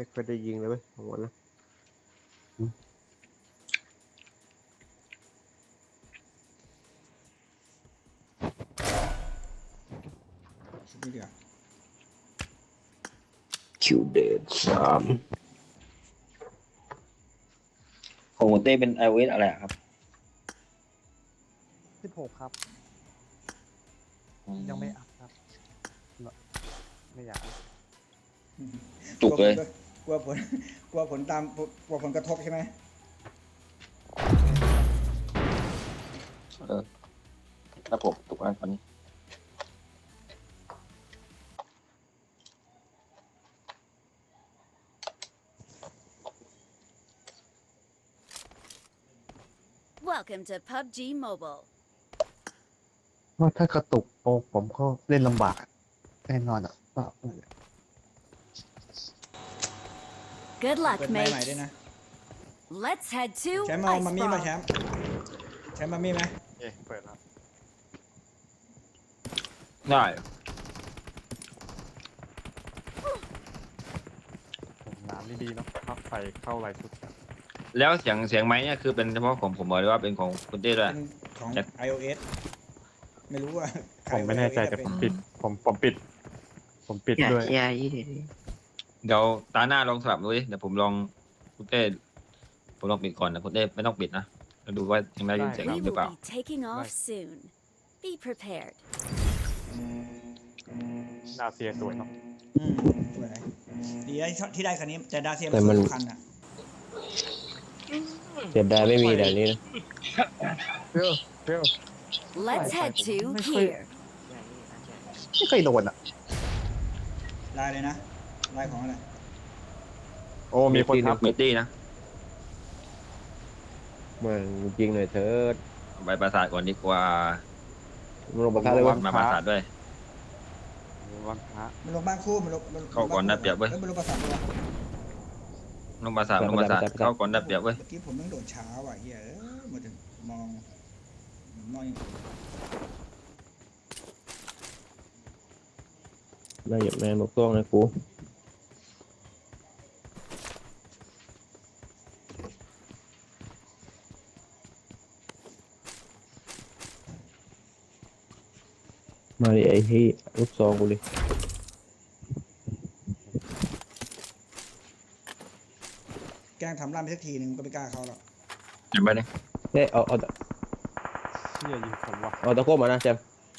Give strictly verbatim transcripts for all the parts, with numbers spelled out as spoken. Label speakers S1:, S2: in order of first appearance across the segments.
S1: ไม่เคยได้ยิงเลยเว้ยของวันนะ
S2: ชุดนี้เดียว
S1: คิวเดดสาม
S3: ของคุณเต้เป็น iOS อะไรครับ
S4: สิบหกครับ ยังไม่อัพครับ ไม่อยาก
S3: จุกเลย
S2: กลัวผลกลัวผลตามกลัวผลกระทบใช่ไหม
S3: เออครับผมถูกแล้วตอนนี้
S5: Welcome to พับจี Mobile
S4: ว่าถ้ากระตุกโอ้ผมก็เล่นลำบากแน่นอนอ่ะว่า
S5: Good luck
S2: เปิดไมค์ใหม่ด้วย
S5: mate
S2: นะ
S5: Let's head to
S2: แชมป์เอา
S5: Ice
S2: มามี่มาแช
S5: Brawl
S2: มป์แชมป์มามี่ไหม
S4: เอ๊ะเปิดแล้ว
S3: ได้
S4: น้ำนี่ดีเนาะพักไฟเข้าไรสุด
S3: แล้วเสียงเสียงไม้เนี่ยคือเป็นเฉพาะของผมบอกเลยว่าเป็นของคุณเต้ด้วย
S2: เป็นของ
S3: จะ
S2: iOS ไม่รู้ว่าใคร
S4: ผมไม่แน่ใจ
S2: iOS
S4: แต่
S2: เป็
S4: ผ
S2: น
S4: มปิด ผมผมปิด ผมปิดด้วย
S3: เดี๋ยวตาหน้าลองสลับดูดิเดี๋ยวผมลองคุณเต้ผมลองปิดก่อนนะคุณเต้ไม่ต้องปิดนะแล้วดูว่ายังได้ยินเสียง
S5: We
S3: เราหรือ
S5: will
S3: เปล่า
S5: be taking off soon Be prepared
S4: ดาเซียสวยเนาะ
S2: อืมสวยดีได้ที่ได้คันนี้แต่ดาเซียมันสวยทุกคันอ่ะ
S1: เสียดายไม่มีแต่นี้นะ
S4: เปรี้ยวเปรี้ยว
S5: Let's head to
S4: ไม่เคย
S5: here
S4: ไม่เคยโดนอ่ะ
S2: ลายเลยนะลายของอะไร
S4: โอ้มีคนทับ
S3: เมตตี้นะ
S1: มันยิงหน่อยเถิด
S3: เอาไปประสาทก่อนดีกว่า
S1: มันลงประทัดเลยวะ
S3: มาประสาทด้วย
S4: วันพระ
S2: มันลงบ้านคู่มันลงมัน
S3: เข้าก่อนนะเปรียบเว้ย
S2: อ้มันลงประสาทด้วย
S3: ลงประสาทลงประสาทเข้าก่อนได้เปรียบเว้ย
S2: เมื่อกี้ผมต้องโดดช้าว่ะเหี้ยเอ้ยมาถึงมองมองอย่าง
S1: ได้หยบแมนบอกต้องนะกูมาดิไอ้ที่ลูกซองกูเลย
S2: แกล้งทำร่ำไปสักทีหนึ่งก็ไม่กล้าเข้าหรอก
S3: เห็นไหมเนี่ย
S1: เฮ้ยเอาเอา
S4: เชี่ยยิงผมว่ะ
S1: เอาตะโคบมานะแจม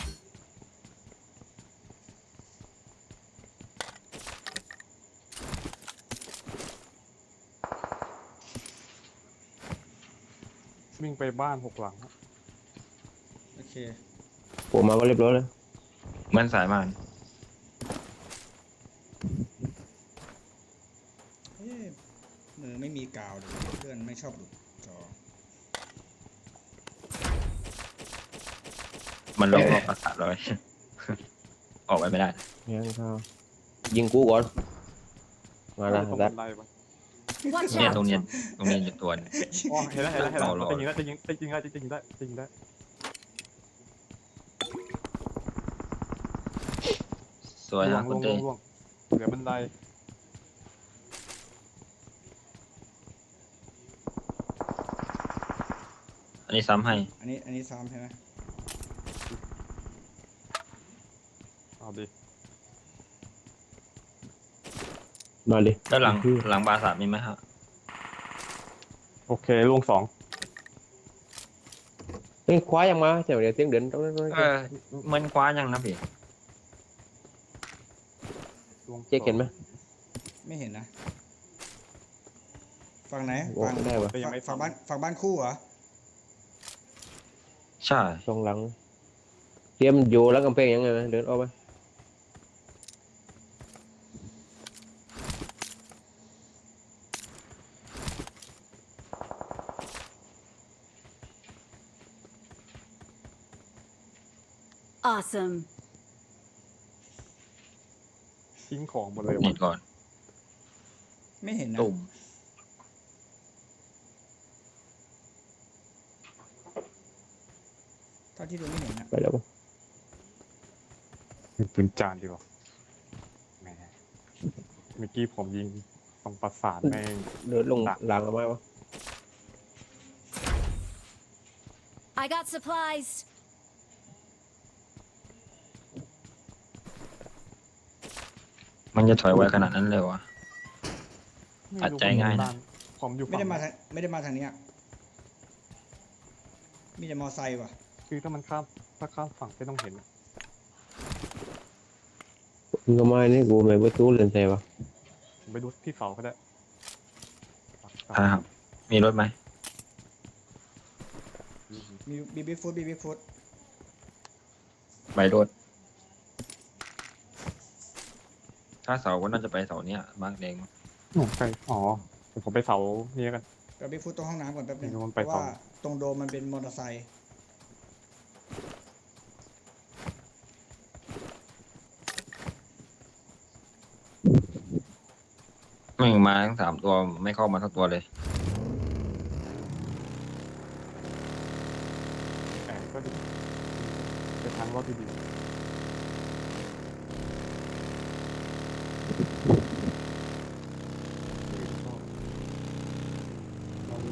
S4: วิ่งไปบ้านหกหลัง
S2: โอเค
S1: ผมมาก็เรียบร้อยเลย
S3: เหมือนสายมาน
S2: เอ๊ะมือไม่มีกาวเลยเพื่อนไม่ชอบหลุดจอ
S3: มันลงรอบประสาทเลย ออกไปไม่ได้
S1: ยังเขายิงกูก่อนมาละ
S4: ตรง
S1: รั
S4: บั
S1: ด
S4: นไดปะ
S5: Watch
S3: เนี่ยตรง
S5: out
S3: เนี้ยตรงนี้จะตัวเนี่ย
S4: อ๋อเห็นแล้วเห็นแล้วเห็นแล้ว
S3: เอาหรอ
S4: จะยิงแล้วจะยิงจะยิงได้จะยิงได้จะยิงได้
S3: สวย
S4: ล
S3: นะ
S4: ง
S3: คุ
S4: ล
S3: ณ
S4: งล
S3: เต้
S4: งลงเหลือบันได
S3: อันนี้ซ้ำให้
S2: อันนี้อันนี้ซ้อมใช่ไหม
S4: เอาดิ
S1: มาดิ
S3: ด้านหลังหลังบาสามีไหมครับ
S4: โอเคลงสอง
S1: เฮ้ยคว้ายังมาแต่เดี๋ยวเตียงเดินต้องต้อง
S3: เออมันคว้ายังนะพี่
S4: ลง
S1: เจ๊เห็นไหม
S2: ไม่เห็นนะฝั่งไหน
S1: โอ้
S2: ฝั่ง
S1: ได้ปะ
S2: ฝั่งฝั่งบ้านฝั่งบ้านคู่เหรอ
S3: ใช่
S1: สองหลังเตรียมอยู่แล้วกำแพงยังไงเดินออกไป
S5: Awesome
S4: ทิ้งของหมดเลย
S3: นี่
S4: ว่ะ
S3: ก่อน
S2: ไม่เห็นนะ
S3: ตุ่ม
S2: เท่าที่ดูไม่เห็นนะ
S1: ไปแล้วปะ
S4: เป็นปืนจานดีกว่าแหมเมื่อกี้ผมยิงสรงปราสาทแม่ง
S1: เดินลงหลังเอาไหมวะ
S5: I got supplies.
S3: มันจะถอยไวขนาดนั้นเลยวะ
S4: ไม่
S3: ตัด
S4: รู้
S3: ใจง่ายนะ
S4: ผมอยู่
S2: ไม่
S4: ฝั่ง
S2: ได้มาทางไม่ได้มาทางเนี้ยมีแต่มอไซค์ว่ะ
S4: คือถ้ามันข้ามถ้าข้ามฝั่งไม่ต้องเห็นอะ
S1: มึงก็ไม่นี่กูไม่ประตูเล่นใส่วะ
S4: ผมไปดูที่เสาก็ได้
S3: ใช่ครับ มีรถไหม
S2: มีบีบีฟูดบีบีฟูด
S3: ใบรถ ถ้าเสาก็น่าจะไปเสาเนี้ยบ้างแดง
S4: ผมไปอ๋อผมไปเสานี้กัน
S2: บีบีฟูดตรงห้องน้ำก่อนแป๊บนึง
S4: ไม่รู้มัน
S2: เพ
S4: ไป
S2: ราะ
S4: ต่อ
S2: ว่าตรงโดมมันเป็นมอเตอร์ไซค์
S3: ไม่มาทั้งสามตัวไม่เข้ามาทั้งตัวเลย
S4: แต่ก็ดีไปทางรถดีๆเราเลย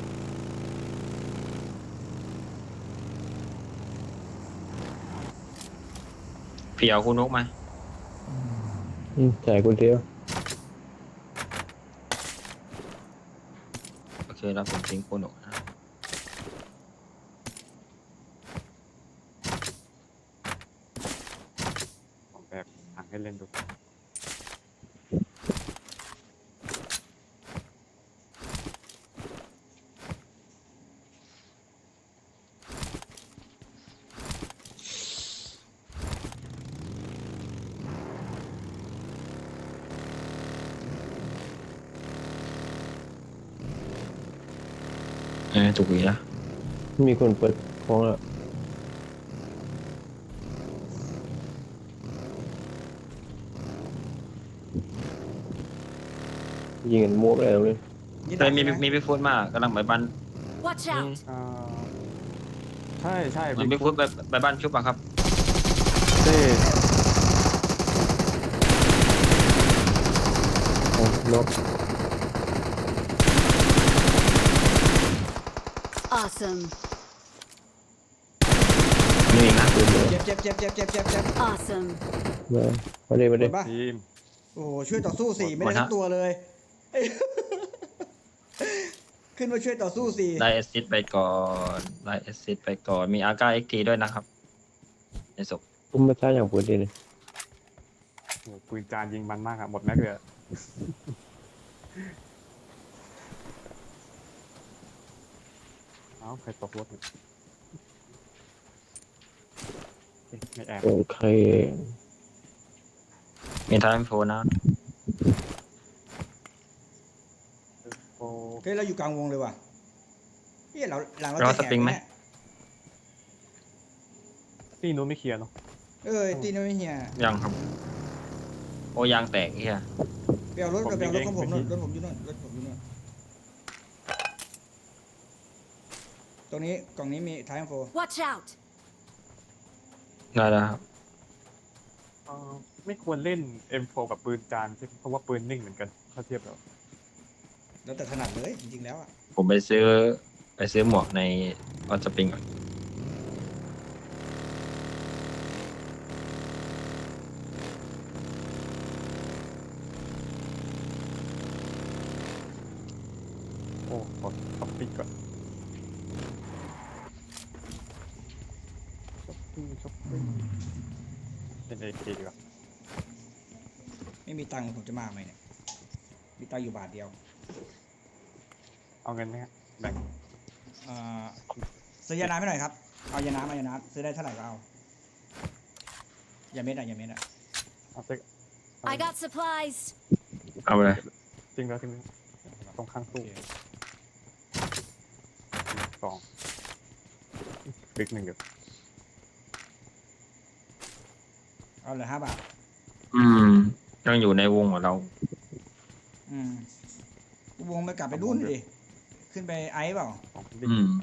S3: พี่เอาคุณนกไหม
S1: อืมใส่กูเดียว
S3: โอเคแล้วผมทิ้งคุณนกนะ
S4: ผมแบบถังให้เล่นดู
S3: เออถูกอีกแล้ว
S1: มีคนเปิดของอ่ะยิงกันมั่วไปแล้วเลย
S2: นี่
S3: เคยมี
S2: ดักใช่ไห
S3: มีพี่ฟุตมากกำลังไปบ้าน
S5: Watch out.
S4: อ่าใช่ใช่
S3: มีพี่ฟุตไปไปบ้านชุบอะครับ
S4: เต้
S1: เอารถ
S5: Awesome.
S3: นี่อีกนะ
S1: เดี๋ยวเดี๋ยว
S2: เจ็บเจ็บเจ็บเจ็บเจ็บเจ็บเจ็บ
S5: Awesome.
S1: มามาเลยมา
S2: ห
S1: เล
S2: ม
S1: ย
S2: ดปะ
S4: ทีม
S2: โอ้โหช่วยต่อสู้สี่ไม่ได้ทั้งตัวเลย ขึ้นมาช่วยต่อสู้สี่
S3: ได้แอสซิสต์ไปก่อนได้แอสซิสต์ไปก่อนมีอาก้าเอ็กทีด้วยนะครับในศพ
S1: อุ้มมาซ่าอย่างปวดดีเลย
S4: โอ้โหปืนจานยิงมันมากอะหมดแม็กเลยอะเอ้าใครตกรถเนี่ยเอ๊ะไม่แอบ
S1: โอเค
S3: มีทายโฟนะ
S4: โอ้
S2: เฮ้ยเราอยู่กลางวงเลยว่ะเฮ้ยเราหลังเรา
S3: เรา
S2: จะ
S3: ส
S2: แหก
S3: ปริงไหม
S2: เนี่ย
S4: ที่นู้นไม่เคลียร์เนาะ
S2: เอ้ยตีนไม่เฮีย
S3: ยังครับ โอ้ยางแตกเฮีย
S2: ไปเอารถ
S4: ผม
S2: ไปเอารถของผม
S4: เอง
S2: นู่นรถผมอยู่นู่นรถผมอยู่นู่นตรงนี้กล่องนี้มีท้ายโฟ
S5: Watch out.
S3: ได้แล้วครับ
S4: เอ่อไม่ควรเล่น เอ็ม โฟร์ กับปืนจานใช่ไหมเพราะว่าปืนนิ่งเหมือนกันถ้าเทียบแล้ว
S2: แล้วแต่ถนัดเลยจริงๆแล้วอ่ะ
S3: ผมไปซื้อไปซื้อหมวกในออสปริงก่อน
S4: โอ้ขอช้อปปิ้งก่อนช้อปปิ้งช้อปปิ้งเป็นเอเคดีกว่า
S2: ไม่มีตังค์ผมจะมาไหมเนี่ยมีตังค์อยู่บาทเดียว
S4: เอาเงินไหมฮะแบ่ง
S2: เอ่อซื้อยาน้ำให้หน่อยครับเอายาน้ำเอายาน้ำซื้อได้เท่าไหร่ก็เอายาเม็ดอะยาเม็ดอะ
S4: เอาเซ็ก
S5: I got supplies.
S3: เอาเลย
S4: จริงแล้วจริงแล้วตรงข้างตู้สองฟิกหนึ่งเดี๋ยว
S2: เอาเหลือห้าบาท
S3: อืมยังอยู่ในวงของเรา
S2: อืมวงไปกลับไปรุ่นดิขึ้นไปไอซ์เปล่า
S4: สองฟิก
S3: อืม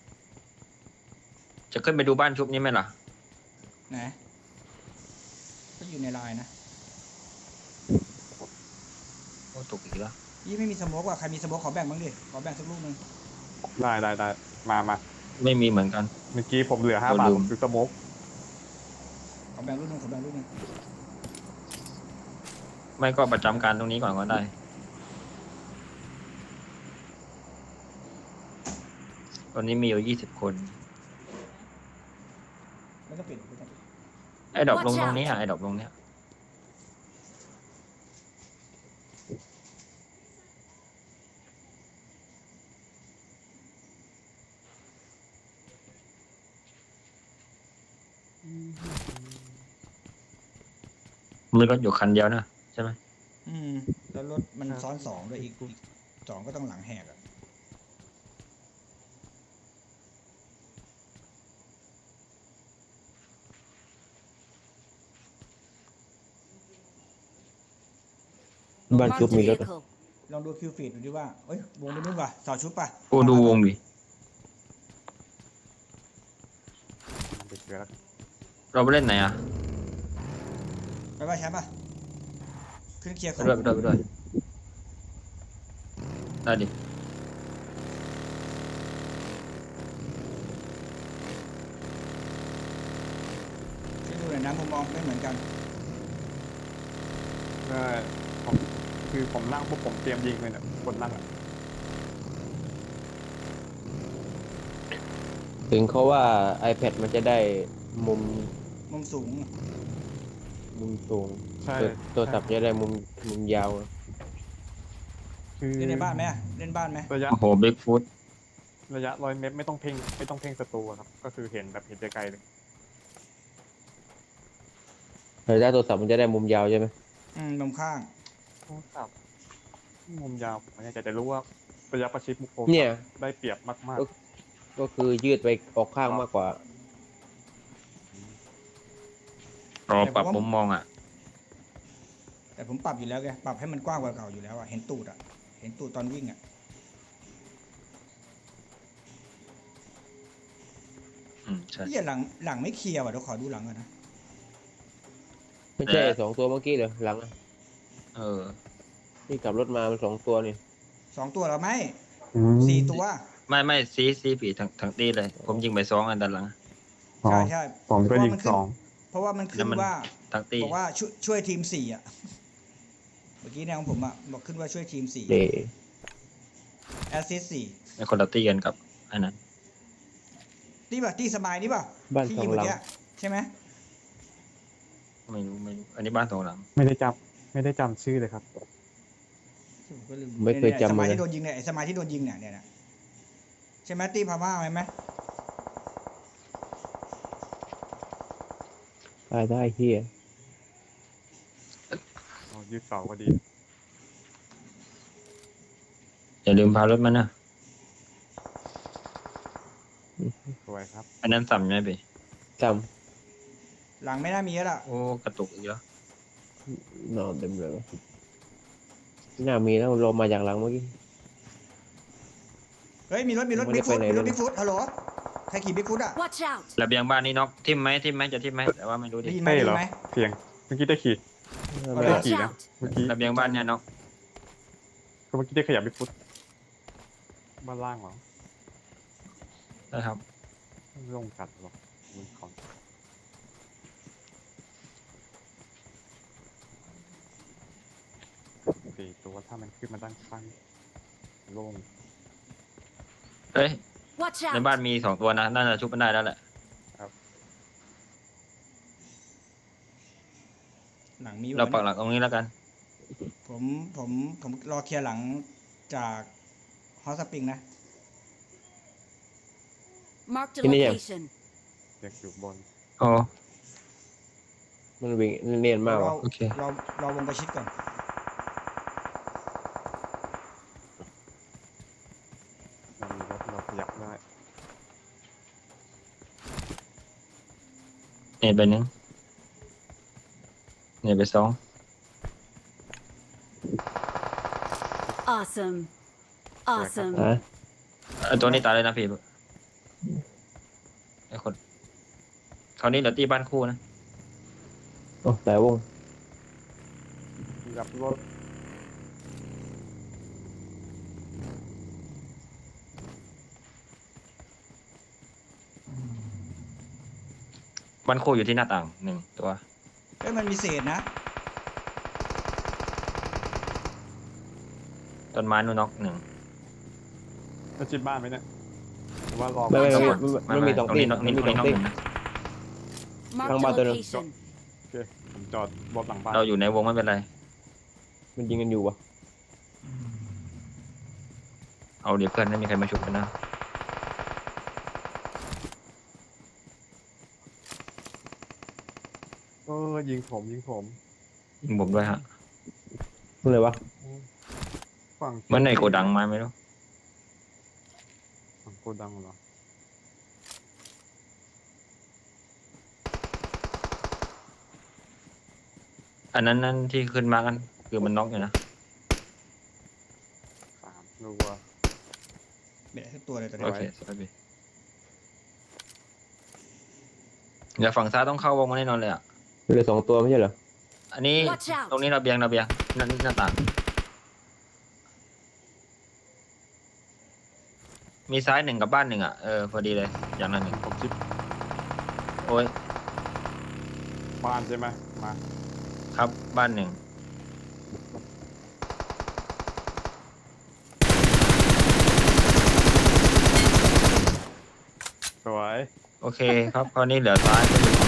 S3: จะขึ้นไปดูบ้านชุบนี้ไหมล่ะ
S2: ไหนก็อยู่ในไลน์นะ
S4: โอ้
S3: อ้ตกอีกแล้ว
S2: ยี่ไม่มีสโมกว่ะใครมีสโมกขอแบ่งบ้างดิขอแบ่งสักลูกหนึง
S4: ได้ได้ได้มามา
S3: ไม่มีเหมือนกัน
S4: เมื่อกี้ผมเหลือห้าบาท
S3: ลื
S4: ผม มซื้อสโมก
S2: ขอแบ่งลูกหนึงขอแบ่งลูกหนึง
S3: ไม่ก็ประจำการตรงนี้ก่อนก็ได้ ตอนนี้มีอยู่ยี่สิบคน
S2: ไม่ต้องปิดไม่ต้องปิด
S3: ไอ้ดอกลงตรงนี้อ่ะไอ้ดอกลงเนี้ย มีรถอยู่คันเดียวนะใช่ไหม
S2: อืมแล้วรถมันซ้อนสองด้วยอีกอีกสองก็ต้องหลังแหกอ่ะ
S1: บ้าน
S5: Marked
S1: ชุ
S5: a
S1: บมีรถ
S5: vehicle.
S2: ลองดูคิวฟีดดูดิว่าเอ้ยวงไปนู่นว่ะสอดชุดป่ะ
S3: กูดูวงดิ
S4: มันไปเจอแล้ว
S3: เราไปเล่นไหนอ่ะ
S2: ไปป่ะแชมป์ป่ะขึ้นเคลียร์ข
S3: ไป
S2: อง
S3: ด้วยไปด้วยไปด้วยได้ดิ
S2: ช่วยดูหน่อยนะมุมมองไม่เหมือนกัน
S4: เออผมคือผมนั่งปุ๊บผมเตรียมยิงเลยเนี่ยคนนั่งอ่ะ
S1: ถึงเขาว่า iPad มันจะได้มุม
S2: มุมสูง
S1: มุมสูง
S4: ใช่
S1: ตัวตัวสับจะได้มุมมุมยาว
S4: คือ
S2: เล่นในบ้านไหมอะเล่นบ้านไหม
S4: ระยะ
S3: โอ้โหบิ๊กฟุต
S4: ระยะร้อยเมตรไม่ต้องเพ่งไม่ต้องเพ่งศัตรูอะครับ ก็คือเห็นแบบเห็นไกลๆเลย
S1: แต่ถ้าตัวสับมันจะได้มุมยาวใช่ไหม
S2: อืมมุมข้าง
S4: โทรศัพท์มุมยาวผมไม่แน่ใจแต่รู้ว่าระยะประชิดมุกโค
S1: เนี่ย
S4: ได้เปรียบมาก
S1: ก็คือยืดไปออกข้างมากกว่า
S3: รอปรับมุมมองอ่ะ
S2: แต่ผมปรับอยู่แล้วไงปรับให้มันกว้างกว่าเก่าอยู่แล้วอ่ะเห็นตูดอ่ะเห็นตูดตอนวิ่งอ่ะ
S3: อืมใช่
S2: เหียหลังหลังไม่เคลียร์ว่ะเดี๋ยวขอดูหลังก่อนนะ
S1: ไม่ใช่สองตัวเมื่อกี้เหรอหลังอะ
S3: เออ
S1: ที่ขับรถมามันสองตัวนี่
S2: สองตัวเหราไหม
S4: ๆอืม
S2: สี่ตัว
S3: ไม่ไม่ซีซีปีทั้งทั้งตีเลย ผมยิงไปสองอันด้านหลัง
S4: อ๋อ
S2: ใช่ใช่
S4: ผมก็ยิงสอง
S2: เพราะว่ามันขึ้
S3: แล้ว
S2: น
S3: มัน
S2: ว่า
S3: ทั้งตี
S2: บอกว่าช่วยช่วยทีมสี่อ่ะเมื่อกี้แนวของผมอ่ะบอกขึ้นว่าช่วยทีมสี่
S1: เด
S2: แอสซิสสี่
S3: ในคนละตีกันกับอันนั้น
S2: ตีป่ะตีสบายนี่ป่ะ
S1: บ้าน
S2: ที่
S1: สอ
S2: ยิ
S1: ง
S2: งเมื่
S1: ห
S2: อ
S1: ลัง
S2: กี้ใช่ไหม
S3: ไม่รู้ไม่รู้ อันนี้บ้านสองหลัง
S4: ไม่ได้จำไม่ได้จำชื่อเลยครับ
S2: ผมก็ลืม
S1: ไม่เคยจำ
S2: สมัย
S1: เลย
S2: ที่โดนยิงเนี่ยไอ้สมัยที่โดนยิงเนี่ยเนี่ยนะใช่ไหมตีพาม่าไหม
S1: ได้ได้เฮีย
S4: อ๋อยืดเสาก็ดี
S3: อย่าลืมพารถมานะ
S4: สวยครับ
S3: อันนั้นสั่มไหมพี่
S1: จ
S2: หลังไม่น่ามีแล้วล่ะ
S3: โอ้กระตุกอีกแล้ว
S1: ำนอนเต็มเลยไม่น่ามีแล้วเรามาจากหลังเมื่อกี้
S2: เฮ้ยมีรถมีรถ
S1: ไม่ได้
S2: บิ๊กฟุต
S1: ไปไหน
S2: มีรถ
S1: เลย
S2: บิ๊กฟุตฮัลโหลใครขี่บิ๊กฟุตอ่ะ
S5: Watch out!
S3: ระเบียงบ้านนี้น็อกทิมไหมทิมไหมจะทิมไหมแต่ว่าไม่รู้ดิ
S2: ได้ยินไหม
S4: เต้
S2: ได้
S4: เหร
S2: ยิ
S4: อ
S2: นไหม
S4: เสียงเมื่อกี้ได้ขี่
S1: ไม่
S4: ได้
S1: ได้
S5: Watch
S4: ขี่นะ
S5: out!
S4: เมื่อกี้
S3: ระเบียงบ้านเนี่ยน็อก
S4: ก็เมื่อกี้ได้ขยับไปฟุตบ้านล่างเหรอ
S3: นะครับ
S4: ลงกัดหรอมันของสี่ตัวถ้ามันขึ้นมาด้านข้างโล่ง
S3: เอ้ย
S5: Watch
S3: ใน
S5: out!
S3: บ้านมีสองตัวนะน่าจะชุบมันได้แล้วแหละ
S2: หลังมี
S3: เรา
S2: วะ
S3: ปัก
S2: เนี่ย
S3: หลักตรงนี้แล้วกัน
S2: ผมผมผมรอเคลียร์หลังจากฮอสปริงนะ
S5: Marked a
S1: Ini ya?
S5: location.
S4: เด็กอยู่บน
S3: โอ้
S1: มันวิ่งเนียนมาก
S2: รอ
S1: ว่ะ
S3: โอเค
S2: รอรอวงประชิดก่อน
S4: เรามีรถเราขยับได้
S3: เน็ตไปหนึ่งเน็ตไปสอง
S5: Awesome. Awesome.
S1: ฮะ
S3: ไอ้ตัวนี้ตายเลยนะพี่ไอ้คนคราวนี้เหลือตีบ้านคู่นะ
S1: โอ้แต่วง
S4: ขยับรถ
S3: บ้านโคอยู่ที่หน้าต่างหนึ่งตัว
S2: เอ้ยมันมีเศษนะ
S3: ต้นไม้นู่นน็อกหนึ่ง
S4: จะจิบบ้านไหมเนี่ยหรือว่ารอ
S1: ไม่ไม่
S3: ทั้งหม
S1: ไม่
S3: ด
S1: มันมีสอง
S3: ตรง
S1: ตี
S3: นี้
S1: น
S3: น็อก
S1: มัน
S3: นี่
S1: มี
S3: ตรง
S1: ส
S3: นี้
S1: อง
S3: น็อก
S1: ตี
S3: หนึ่งนะ
S5: Marked a
S1: Thằng ba tôi đâu?
S5: location.
S4: โอเคผมจอดรถหลังบ้าน
S3: เราอยู่ในวงไม่เป็นไร
S1: มันยิงกันอยู่วะ
S3: เอาเดี๋ยวเพื่อนไม่มีใครมาชุบกันนะ
S4: เออยิงผมยิงผม
S3: ยิงผมด้วยฮะ
S1: เมื่อไหร่วะ
S4: ฝั่ง
S3: เหมื่อนในโกดังมาไม่รู้
S4: ฝั่งโกดังเหรอ
S3: อันนั้นนั่นที่ขึ้นมากันคือมันน็อกอยู่นะ
S4: สามรัว
S2: เป็นทุกตัวเลยตัว
S3: โอ
S2: นี้
S3: เคสวัสดีเดี๋ยวฝั่งซ้ายต้องเข้าวงมาแน่นอนเลยอ่ะ
S1: เหลือสองตัวไม่ใช่เหรอ
S3: อันนี้
S5: Watch out
S3: ตรงนี้ระเบียงระเบียงนั่นหน้าต่างมีซ้ายหนึ่งกับบ้านหนึ่งอ่ะเออพอดีเลยอย่างนั้นหนึ่ง
S4: ผมจิบ
S3: โอ้ย
S4: บ้านใช่ไหมมา
S3: ครับบ้านหนึ่ง
S4: สวย
S3: โอเคครับคราวนี้เหลือซ้ายก็อยู่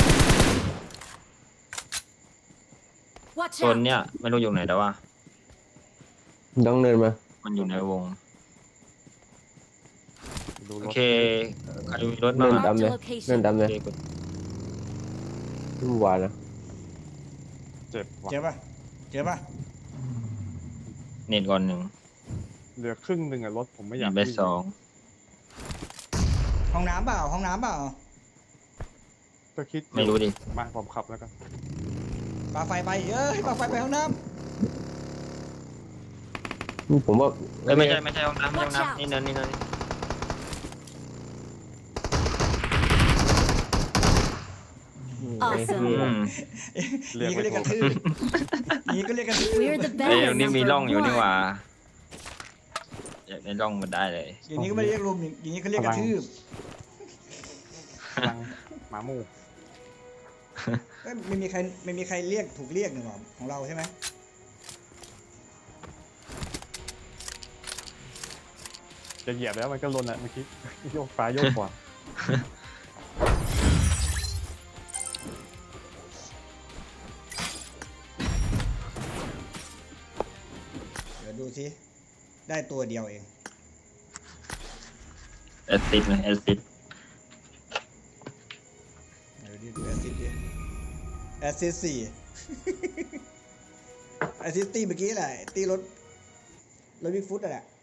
S5: Watch
S3: โซน
S5: out.
S3: เนี้ยไม่รู้อยู่ไหนแต่ว่า
S1: ต้องเดินมา
S3: มันอยู่ในวง
S4: ดู
S3: โอ
S4: รถ
S3: เคใครมีรถบ้าง
S1: เดิน
S3: อะ
S1: ตาม
S5: Marked
S1: เล
S5: a
S1: ยเดิน
S5: location.
S1: ตามเลย
S3: โอเคกด
S1: เมื่อวานนะ
S4: เจ็บว่ะ
S2: เจอปะเจอปะ
S3: เน็ตก่อนหนึ่ง
S4: เหลือครึ่งหนึ่งอะรถผมไม่อยาก
S3: เบส
S4: วิ่ง
S3: สอง
S2: ห้องน้ำเปล่าห้องน้ำเปล่า
S4: ก็คิดอยู่
S3: ไม่รู้ดิ
S4: มาผมขับแล้วกัน
S2: ปาไฟไปเอ้ยปาไฟไปห้องน้
S1: ผมว่า
S3: เอ้ยไม่ใช่ไม่ใช่ห้องน้ำไม่ใช่ห้อง
S5: Watch out
S3: น้ำนี่เนินนี่เนินนี่
S5: Awesome
S3: อืม
S2: ำ
S4: เรียก
S2: นี่ก็
S4: ไม่
S2: เรียกก
S4: ถู
S2: ระ
S4: ก
S2: ทืบนี่ก็เรียกกระทืบ
S5: We're the
S3: เอ้ย
S5: better
S3: ตรงนี้มี
S5: number
S3: ร่องอยู่นี่ห
S5: one.
S3: ว่าอยากในร่องมันได้เลย
S2: อย่างนี้ก็ไม่เรียกรุมอย่างนี้เขาเรียกกระทืบ
S4: พลังหมาหมู
S2: เอ้ยไม่มีใครไม่มีใครเรียกถูกเรียกหนึ่งหรอของเราใช่ไหม
S4: จะเหยียบแล้วมันก็ลนอะเมื่อกี้ โยกซ้ายโยกขวา
S2: เดี๋ยวดูสิได้ตัวเดียวเอง
S3: แอสซิดนะแอสซิด
S2: เดี๋ยวดิดูแอสซิสดิแอสซิสสี่ แอสซิสตีเมื่อกี้แหละตีรถรถบิ๊กฟุตอะแหละ